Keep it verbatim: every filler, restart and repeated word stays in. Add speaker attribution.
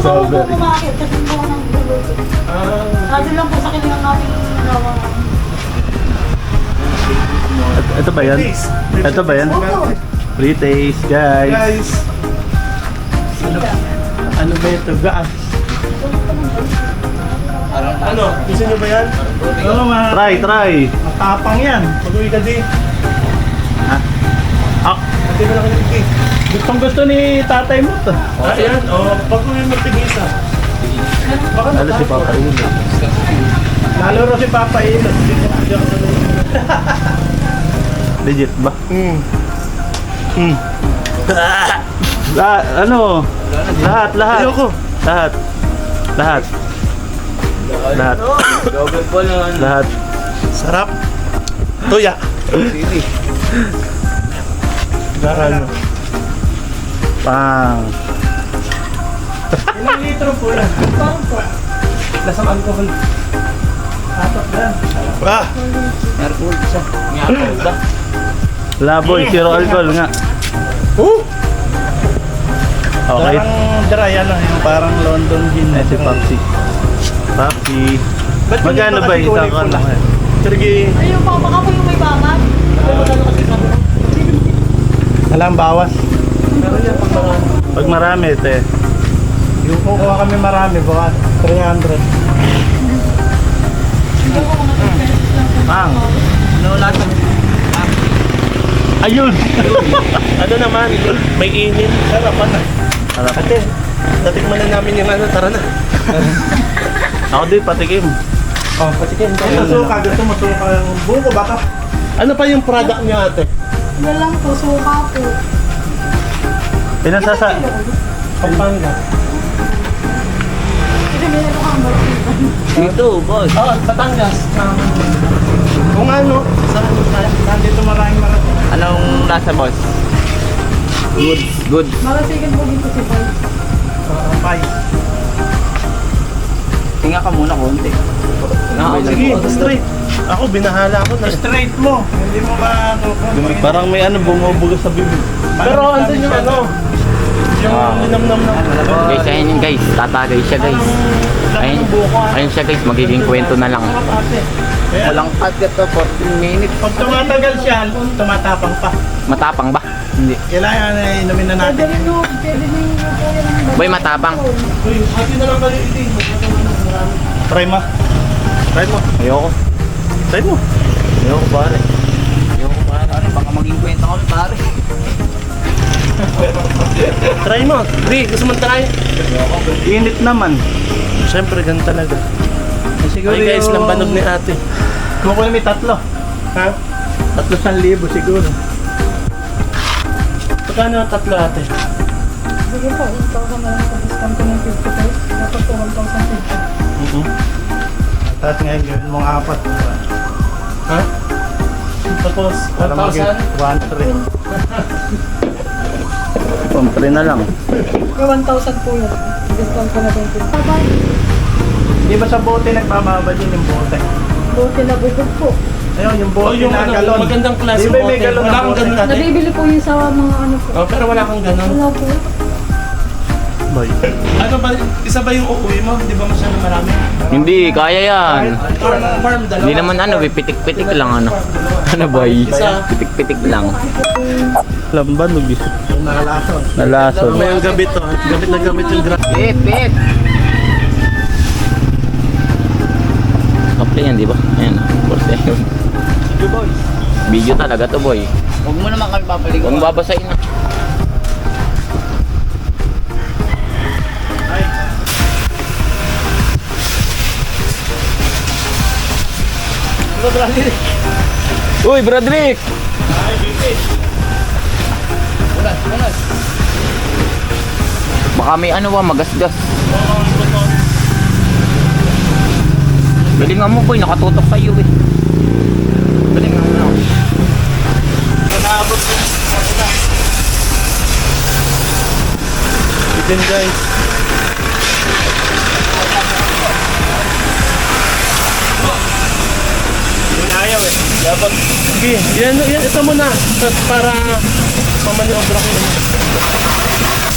Speaker 1: ako po kumakit kasi po ako ng buluto.
Speaker 2: Ah.
Speaker 1: Sabi lang po sa kilingang natin nalawa.
Speaker 3: Ito ba yan? Ito ba yan?
Speaker 1: Opo.
Speaker 3: Free taste, guys.
Speaker 2: Guys,
Speaker 1: Sila.
Speaker 2: ano ba ito? Gaas. Ano? Gusto nyo ba yan? Oo, ma.
Speaker 3: Try, try.
Speaker 2: Matapang yan. Pag-uwi ka di.
Speaker 3: Ha? Ah,
Speaker 2: Hindi mo na kayo nagtig.
Speaker 3: gustong gusto ni tatay mo to.
Speaker 2: Ah, yan. O, pag-uwi magtigisa. Baka
Speaker 3: Lalo si Papa Ilo.
Speaker 2: Lalo rin si Papa Ilo. Hindi ko hindi ako sanay.
Speaker 3: Legit ba?
Speaker 2: Hmm.
Speaker 3: Hmm. Ah, ano? Lahat, lahat.
Speaker 2: Ayoko.
Speaker 3: Lahat. Lahat. Lahat. Lahat.
Speaker 2: Sarap. Tuya. Garano.
Speaker 3: Pang.
Speaker 2: Ilang litro po yan?
Speaker 1: Parang po.
Speaker 2: Lasang alcohol. Apat yan. Ah!
Speaker 3: Laboy, zero alcohol nga.
Speaker 2: Oh!
Speaker 3: Okay.
Speaker 2: Parang dry ano, yung parang London gin.
Speaker 3: Eh, si Papsi. Papsi.
Speaker 2: Ba't yun
Speaker 3: Magkano
Speaker 2: yung
Speaker 3: ba
Speaker 2: kasi
Speaker 3: isang
Speaker 2: kulay
Speaker 3: ano?
Speaker 2: pula? Sige.
Speaker 1: Ayun po, baka po yung may bangat. Sabi mo gano'n kasi sabi ko.
Speaker 2: Alam, bawas. Pero yan, pag marami.
Speaker 3: Pag marami, te.
Speaker 2: Yung kukuha kami marami, baka three hundred.
Speaker 1: Hindi ko mga pesos lang po.
Speaker 3: Pang.
Speaker 2: Ano lahat?
Speaker 3: Ayun!
Speaker 2: Ano naman, may init. Sarapan na.
Speaker 3: Harap.
Speaker 2: Ate, natikman na namin yung ano, tara na.
Speaker 3: Ako din, patikim.
Speaker 2: Oh, patikin. Ito suka, gusto mo suka yung buko baka. Ano pa yung product niya ate?
Speaker 1: Yan lang po, suka po.
Speaker 3: Pinasasa...
Speaker 2: Pampanga.
Speaker 1: Kasi may ano kang balik.
Speaker 3: Dito, boss.
Speaker 2: Oh, Batangas. Um, kung ano, sa nandito maraming marami.
Speaker 4: Anong lasa, boss? Good. Good.
Speaker 1: Marasigan po dito si Boy.
Speaker 2: Uh, pie.
Speaker 4: Tinga ka muna konti.
Speaker 2: Ah, sige, straight. Ako, binahala ako na straight mo. Hindi mo ba ano?
Speaker 3: Parang may ano, bumubugas sa bibig.
Speaker 2: Pero andun yung ano, yung
Speaker 4: Ah.
Speaker 2: linamnam ng
Speaker 4: Guys, ayun yun guys. Tatagay siya guys. Ayun, ayun siya guys. Magiging kwento na lang.
Speaker 2: Sarap ate. Kaya,
Speaker 4: Walang cut ka to. fourteen minutes.
Speaker 2: pag tumatagal siya, tumatapang pa.
Speaker 4: Matapang ba? Hindi.
Speaker 2: Kailangan na inumin na
Speaker 1: Pwede
Speaker 2: natin.
Speaker 1: rin yung, pwede rin yung po yan.
Speaker 4: Boy, matapang.
Speaker 2: Uy, ate na lang kayo iti.
Speaker 3: Try mo. Try mo.
Speaker 4: Ayoko.
Speaker 3: Try mo.
Speaker 4: Ayoko pare. Ayoko pare. Ano, baka maging kwento ko pare.
Speaker 2: Try mo. Di, gusto mo try?
Speaker 3: Init naman.
Speaker 2: Siyempre, ganun talaga.
Speaker 3: Siguro
Speaker 2: Ay guys,
Speaker 3: yung-
Speaker 2: lambanog ni ate.
Speaker 3: Kumukuha may tatlo.
Speaker 2: Ha?
Speaker 3: Tatlo san libo siguro.
Speaker 2: Pagkano ang tatlo ate?
Speaker 1: Sige po, one thousand na lang sa discount ko ng fifty pesos. Dapat po one thousand fifty.
Speaker 3: Mm-hmm.
Speaker 2: Tapos ngayon, gawin mong apat. Ha? Tapos,
Speaker 3: Para
Speaker 2: one thousand?
Speaker 3: mag- one three. Pampre na lang.
Speaker 1: Kaya one thousand po yun. Discount ko na twenty. Bye-bye.
Speaker 2: Di ba sa bote nagmamabad yun yung bote?
Speaker 1: Buti na bubog po.
Speaker 2: Ayun, yung bote
Speaker 5: Oh, yung
Speaker 2: na
Speaker 5: ano,
Speaker 2: galon.
Speaker 5: magandang klase
Speaker 2: Di ba may
Speaker 5: bote.
Speaker 2: galon
Speaker 5: Wala
Speaker 2: na
Speaker 5: kang
Speaker 2: bote?
Speaker 5: ganun ate.
Speaker 1: Nabibili po yun sa mga ano po.
Speaker 5: Oh, pero wala kang ganun.
Speaker 1: Wala po.
Speaker 3: Boy.
Speaker 5: Ano ba, isa ba yung uuwi mo? Di ba masyadong marami?
Speaker 4: Hindi, kaya yan.
Speaker 5: Farm, farm, dalawa.
Speaker 4: Hindi naman ano, pitik-pitik lang ano. Ano boy? Pitik-pitik lang.
Speaker 3: Lamban, nubis.
Speaker 2: Nakalason.
Speaker 3: Nalason.
Speaker 2: May yung gabit to. Gabit na gamit yung drug.
Speaker 4: Pit, pit. Kaple yan, di ba? Ayan, of course yan.
Speaker 2: Sige boys.
Speaker 4: Video talaga to boy.
Speaker 6: Huwag mo naman kami papaligo.
Speaker 4: Huwag babasahin na.
Speaker 2: Ano brother?
Speaker 4: Uy, Broderick!
Speaker 2: Ay, bibit.
Speaker 6: Ulas, ulas.
Speaker 4: Baka may ano ba, magasgas. Galingan mo boy, nakatutok sa'yo eh. Galingan mo.
Speaker 2: Naabot ko. Chicken guys. Yung ayaw eh. Dapat. Sige, yan, yan, ito muna. Para mamaniobra ko yun.